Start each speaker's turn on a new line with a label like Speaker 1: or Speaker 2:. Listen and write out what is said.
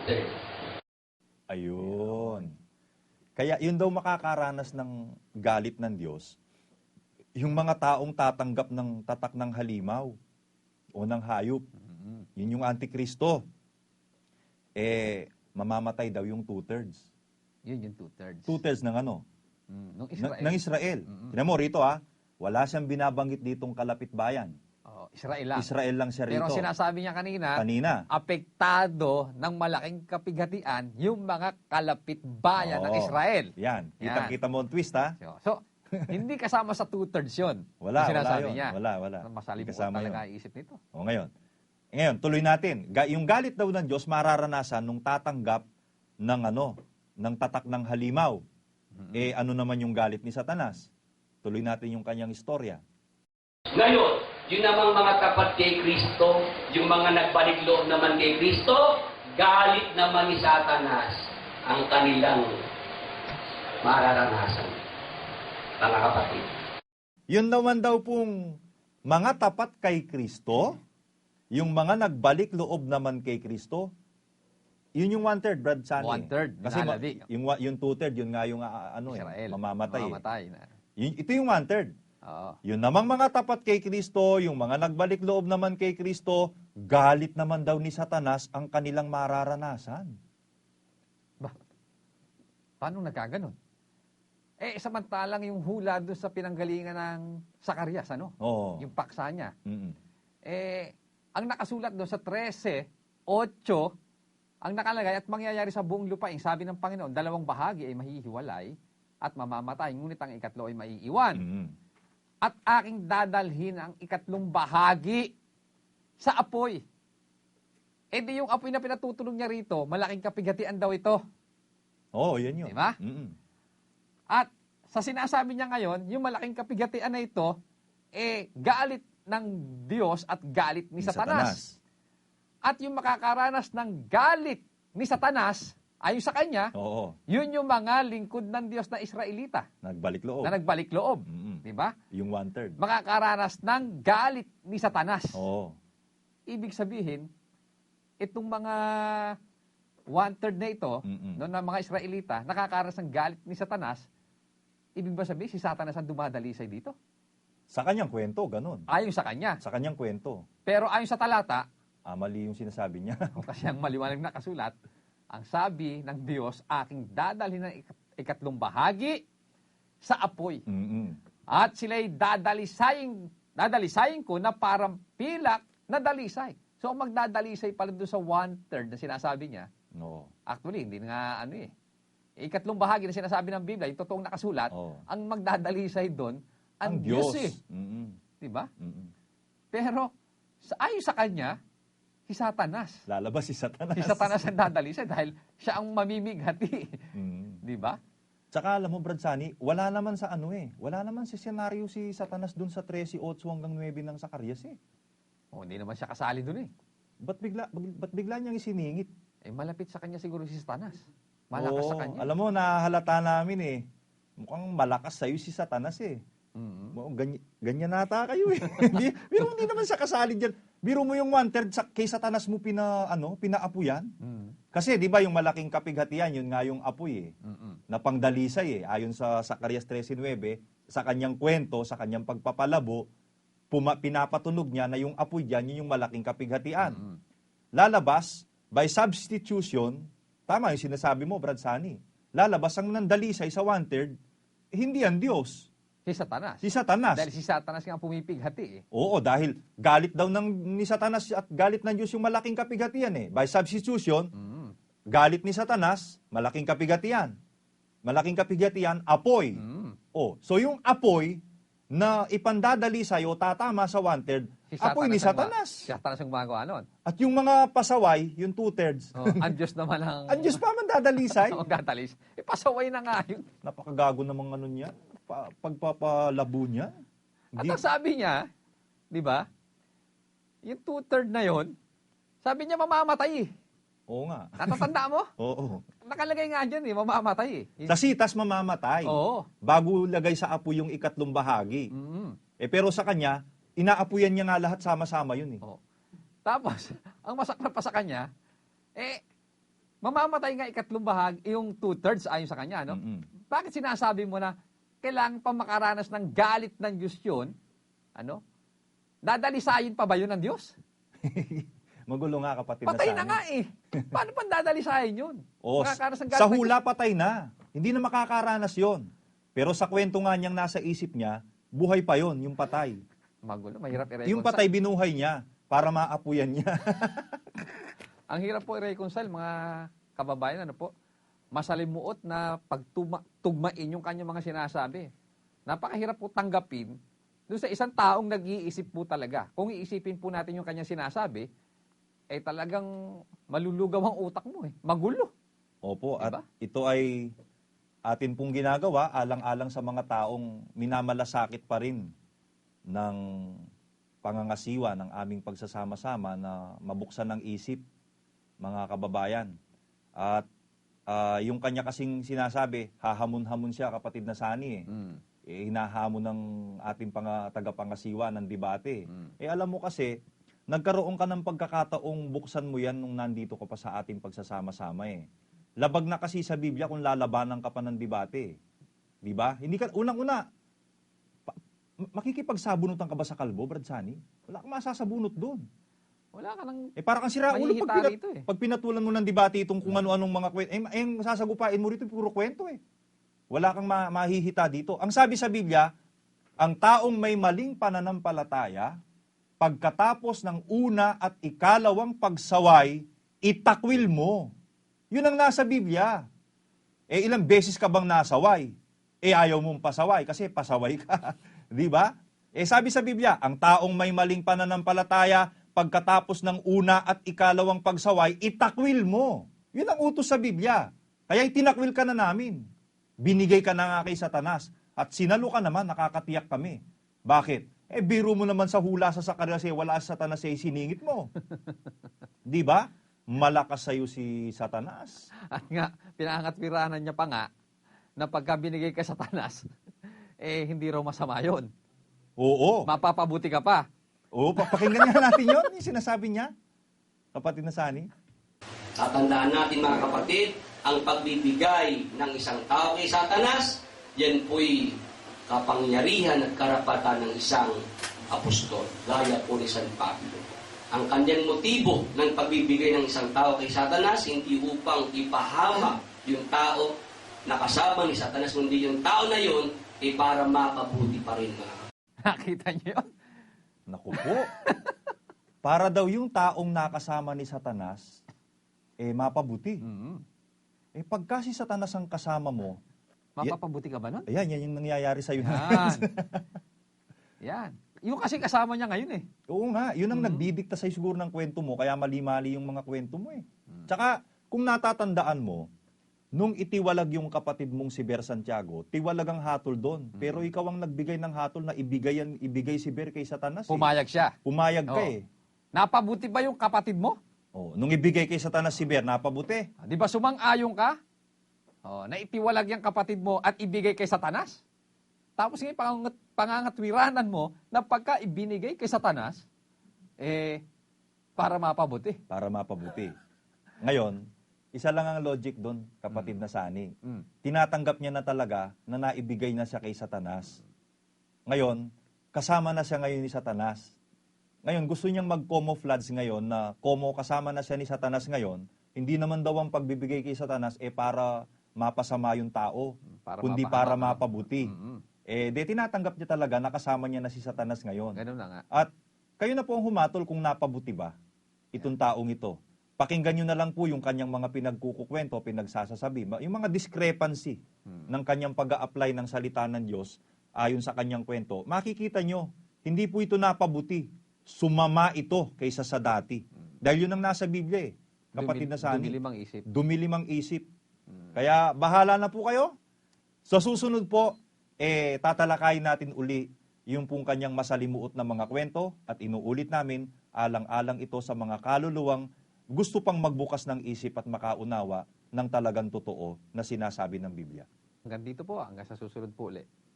Speaker 1: one-third.
Speaker 2: Ayun. Kaya yun daw makakaranas ng galit ng Diyos, yung mga taong tatanggap ng tatak ng halimaw o ng hayop. Yun yung Antikristo. Mamamatay daw yung two-thirds.
Speaker 3: Yun yung two-thirds.
Speaker 2: Two-thirds ng ano?
Speaker 3: Nung Israel.
Speaker 2: Ng Israel. Tignan mo rito wala siyang binabanggit ditong kalapit bayan.
Speaker 3: Israel lang.
Speaker 2: Israel lang siya rito.
Speaker 3: Pero sinasabi niya kanina, apektado ng malaking kapighatian yung mga kalapit bayan ng Israel.
Speaker 2: Yan. Kita-kita mo ang twist, ha?
Speaker 3: So, hindi kasama sa two-thirds yun.
Speaker 2: Wala
Speaker 3: sinasabi
Speaker 2: yun.
Speaker 3: niya.
Speaker 2: Wala.
Speaker 3: Masalimuot talaga iisip nito.
Speaker 2: Ngayon, tuloy natin. Yung galit daw ng Diyos mararanasan nung tatanggap ng ng tatak ng halimaw. Ano naman yung galit ni Satanas? Tuloy natin yung kanyang istorya.
Speaker 1: Ngayon, yung namang mga tapat kay Kristo, yung mga nagbalik loob naman kay Kristo, galit naman ni Satanas ang kanilang mararanasan. Mga kapatid.
Speaker 2: Yun naman daw pong mga tapat kay Kristo, yung mga nagbalik loob naman kay Kristo, yun yung one-third, Brad Sunny.
Speaker 3: One-third,
Speaker 2: kasi yung two-third, yun nga yung
Speaker 3: Israel,
Speaker 2: mamamatay. Ito yung one-third. Yun namang mga tapat kay Kristo, yung mga nagbalik loob naman kay Kristo, galit naman daw ni Satanas ang kanilang mararanasan.
Speaker 3: Paano nagkaganon? Samantalang yung hula doon sa pinanggalingan ng Zacarias, yung paksa niya. Ang nakasulat doon sa 13:8, ang nakalagay at mangyayari sa buong lupain, sabi ng Panginoon, 2 bahagi ay mahihiwalay at mamamatay, ngunit ang ikatlo ay maiiwan. At aking dadalhin ang ikatlong bahagi sa apoy. Di yung apoy na pinatutunog niya rito, malaking kapighatian daw ito.
Speaker 2: Yan yun.
Speaker 3: Diba? At sa sinasabi niya ngayon, yung malaking kapighatian na ito, galit ng Diyos at galit ni Satanas. At yung makakaranas ng galit ni Satanas, ayon sa kanya, yun yung mga lingkod ng Diyos na Israelita.
Speaker 2: Nagbalik loob.
Speaker 3: Na nagbalik loob. Diba?
Speaker 2: Yung one-third.
Speaker 3: Makakaranas ng galit ni Satanas. Ibig sabihin, itong mga one-third na ito, na mga Israelita, nakakaranas ng galit ni Satanas, ibig ba sabihin, si Satanas ang dumadalisay dito?
Speaker 2: Sa kanyang kwento, ganun.
Speaker 3: Ayon sa kanya.
Speaker 2: Sa kanyang kwento.
Speaker 3: Pero ayon sa talata,
Speaker 2: mali yung sinasabi niya.
Speaker 3: Kasi ang maliwanag na kasulat, ang sabi ng Diyos, aking dadalhin ng ikatlong bahagi sa apoy. At sila'y dadalisayin ko na parang pilak na dalisay. So, ang magdadalisay pala doon sa one-third na sinasabi niya, actually, hindi nga ikatlong bahagi na sinasabi ng Biblia, yung totoong nakasulat, ang magdadalisay doon, ang Diyos Diba? Pero, ayon sa kanya, si Satanas.
Speaker 2: Lalabas si Satanas.
Speaker 3: Si Satanas ang dadalisay dahil siya ang mamimighati. Diba?
Speaker 2: Tsaka alam mo, Brad Sunny, wala naman sa wala naman si senaryo si Satanas dun sa 13:8 hanggang 9 ng Zacarias
Speaker 3: hindi naman siya kasali dun
Speaker 2: Ba't bigla niyang isiningit?
Speaker 3: Malapit sa kanya siguro si Satanas. Malakas sa kanya.
Speaker 2: Alam mo, nahalata namin mukhang malakas sa'yo si Satanas ganyan nata kayo Biro hindi naman siya kasali dyan. Biro mo yung one-third kay Satanas mo pinaapuyan. Kasi di ba yung malaking kapighatian, yun nga yung apoy na pangdalisay ayon sa Zacarias 13:9, sa kanyang kwento, sa kanyang pagpapalabo, pinapatunog niya na yung apoy dyan, yun yung malaking kapighatian. Lalabas, by substitution, tama yung sinasabi mo, Brad Sunny, lalabas ang nandalisay sa one-third, hindi ang Diyos.
Speaker 3: Si Satanas.
Speaker 2: Si Satanas.
Speaker 3: Dahil si Satanas nga pumipighati
Speaker 2: Oo, dahil galit daw ni Satanas at galit ng Diyos yung malaking kapighatian By substitution, galit ni Satanas, malaking kapighatian. Malaking kapighatian, apoy. So yung apoy na ipandadali sa'yo, tatama sa one-third, apoy ni Satanas.
Speaker 3: Si Satanas ang gumagawa nun.
Speaker 2: At yung mga pasaway, yung two-thirds,
Speaker 3: ang Diyos naman ang...
Speaker 2: ang Diyos pa man dadalisay.
Speaker 3: Magdadalis. Pasaway na nga yun.
Speaker 2: Napakagago namang niya. Pagpapalabo niya.
Speaker 3: At ang sabi niya, di ba, yung two-third na yon, sabi niya mamamatay
Speaker 2: Oo nga.
Speaker 3: Natatanda mo?
Speaker 2: Oo.
Speaker 3: Nakalagay nga dyan mamamatay
Speaker 2: Sa sitas mamamatay.
Speaker 3: Oo.
Speaker 2: Bago lagay sa apoy yung ikatlong bahagi. Pero sa kanya, inaapuyan niya nga lahat sama-sama yun
Speaker 3: Oo. Tapos, ang masakit pa sa kanya, mamamatay nga ikatlong bahagi, yung 2/3 ayon sa kanya, no? Bakit sinasabi mo na kailangan pa makaranas ng galit ng Diyos yun? Ano? Dadalisayin pa ba yun ng Diyos?
Speaker 2: Magulo nga, kapatid
Speaker 3: Patay
Speaker 2: na
Speaker 3: na nga eh. Paano pa dadalisayin yun?
Speaker 2: O,
Speaker 3: Makakaranas ng galit
Speaker 2: sa
Speaker 3: ng
Speaker 2: hula
Speaker 3: Diyos.
Speaker 2: patay na. Hindi na makakaranas yon. Pero sa kwento nga niyang nasa isip niya, buhay pa yon, yung patay.
Speaker 3: Magulo, mahirap i-reconcile.
Speaker 2: Yung patay binuhay niya para maapuyan niya.
Speaker 3: Ang hirap po i-reconcile, mga kababayan, ano po, masalimuot na pagtugmain yung kanyang mga sinasabi. Napakahirap po tanggapin doon sa isang taong nag-iisip po talaga. Kung iisipin po natin yung kanyang sinasabi, eh talagang malulugaw ang utak mo eh. Magulo.
Speaker 2: Opo,
Speaker 3: Diba?
Speaker 2: at ito ay atin pong ginagawa alang-alang sa mga taong minamalasakit pa rin ng pangangasiwa ng aming pagsasama-sama na mabuksan ng isip, mga kababayan. At yung kanya kasing sinasabi, hahamon-hamon siya, kapatid na Sani hinahamon ng ating tagapangasiwa ng debate. Alam mo kasi, nagkaroon ka ng pagkakataong buksan mo yan nung nandito ka pa sa ating pagsasama-sama eh. Labag na kasi sa Biblia kung lalabanan ka pa ng debate. Di ba? Hindi ka, unang-una, makikipagsabunutan ka ba sa kalbo, Brad Sani? Wala kang masasabunot doon.
Speaker 3: Wala ka nang
Speaker 2: Parang kang siraulo
Speaker 3: mahihita
Speaker 2: pag pinatulan mo ng debate itong kung ano-anong mga kwento. Yung sasagupain mo rito, puro kwento eh. Wala kang mahihita dito. Ang sabi sa Biblia, ang taong may maling pananampalataya, pagkatapos ng una at ikalawang pagsaway, itakwil mo. Yun ang nasa Biblia. Ilang beses ka bang nasaway? Ayaw mong pasaway kasi pasaway ka. Di ba? Sabi sa Biblia, ang taong may maling pananampalataya, pagkatapos ng una at ikalawang pagsaway, itakwil mo. Yun ang utos sa Biblia. Kaya itinakwil ka na namin. Binigay ka na nga kay Satanas. At sinalo ka naman, nakakatiyak kami. Bakit? Biro mo naman sa hula sa Zacarias, wala sa Satanas siningit mo. Di ba? Malakas sa'yo si Satanas.
Speaker 3: At nga, pinangatwiranan niya pa nga na pagka binigay ka sa Satanas, hindi raw masama yun.
Speaker 2: Oo.
Speaker 3: Mapapabuti ka pa.
Speaker 2: Oo, pakinggan nga natin yun, yung sinasabi niya. Kapatid na Sani.
Speaker 1: Tatandaan natin mga kapatid, ang pagbibigay ng isang tao kay Satanas, yan po'y kapangyarihan at karapatan ng isang apostol, gaya po ni San Pablo. Ang kanyang motibo ng pagbibigay ng isang tao kay Satanas, hindi upang ipahamak yung tao na kasama ni Satanas, kundi yung tao na yun, para makabuti pa rin mga.
Speaker 3: Nakita niyo yun?
Speaker 2: Naku po. Para daw yung taong nakasama ni Satanas, mapabuti. Pagka si Satanas ang kasama mo,
Speaker 3: Mapapabuti ka ba nun?
Speaker 2: ayan, yan yung nangyayari sa'yo.
Speaker 3: Yan. Yan. Yung kasi kasama niya ngayon eh.
Speaker 2: Oo nga, yun ang nagdidikta sa'yo siguro ng kwento mo, kaya mali-mali yung mga kwento mo eh. Tsaka, kung natatandaan mo, nung itiwalag yung kapatid mong si Ber Santiago, tiwalag ang hatol doon. Pero ikaw ang nagbigay ng hatol na ibigay si Ber kay Satanas.
Speaker 3: Pumayag siya.
Speaker 2: Pumayag ka
Speaker 3: Oo.
Speaker 2: eh.
Speaker 3: Napabuti ba yung kapatid mo?
Speaker 2: Nung ibigay kay Satanas si Ber, napabuti.
Speaker 3: Di ba sumang-ayon ka? Naitiwalag yung kapatid mo at ibigay kay Satanas? Tapos ngayon, pangangatwiranan mo na pagka ibinigay kay Satanas, para mapabuti.
Speaker 2: Para mapabuti. Ngayon, isa lang ang logic doon, kapatid na Sani. Tinatanggap niya na talaga na naibigay na siya kay Satanas. Ngayon, kasama na siya ngayon ni Satanas. Ngayon, gusto niyang mag-camouflage ngayon na kasama na siya ni Satanas ngayon, hindi naman daw ang pagbibigay kay Satanas para mapasama yung tao, kundi para mapabuti. Tinatanggap niya talaga na kasama niya na si Satanas ngayon.
Speaker 3: Ganun na nga.
Speaker 2: At kayo na po ang humatol kung napabuti ba itong taong ito. Pakinggan nyo na lang po yung kanyang mga pinagkukukwento, pinagsasasabi. Yung mga discrepancy ng kanyang pag-a-apply ng salita ng Diyos ayon sa kanyang kwento. Makikita nyo, hindi po ito napabuti. Sumama ito kaysa sa dati. Dahil yun ang nasa Biblia eh. Kapatid na Sani.
Speaker 3: Dumilimang isip.
Speaker 2: Dumilimang isip. Kaya bahala na po kayo. Sa susunod po, tatalakayin natin uli yung pong kanyang masalimuot na mga kwento at inuulit namin alang-alang ito sa mga kaluluwang gusto pang magbukas ng isip at makaunawa ng talagang totoo na sinasabi ng Biblia.
Speaker 3: Hanggang dito po, hanggang sa susunod po ulit.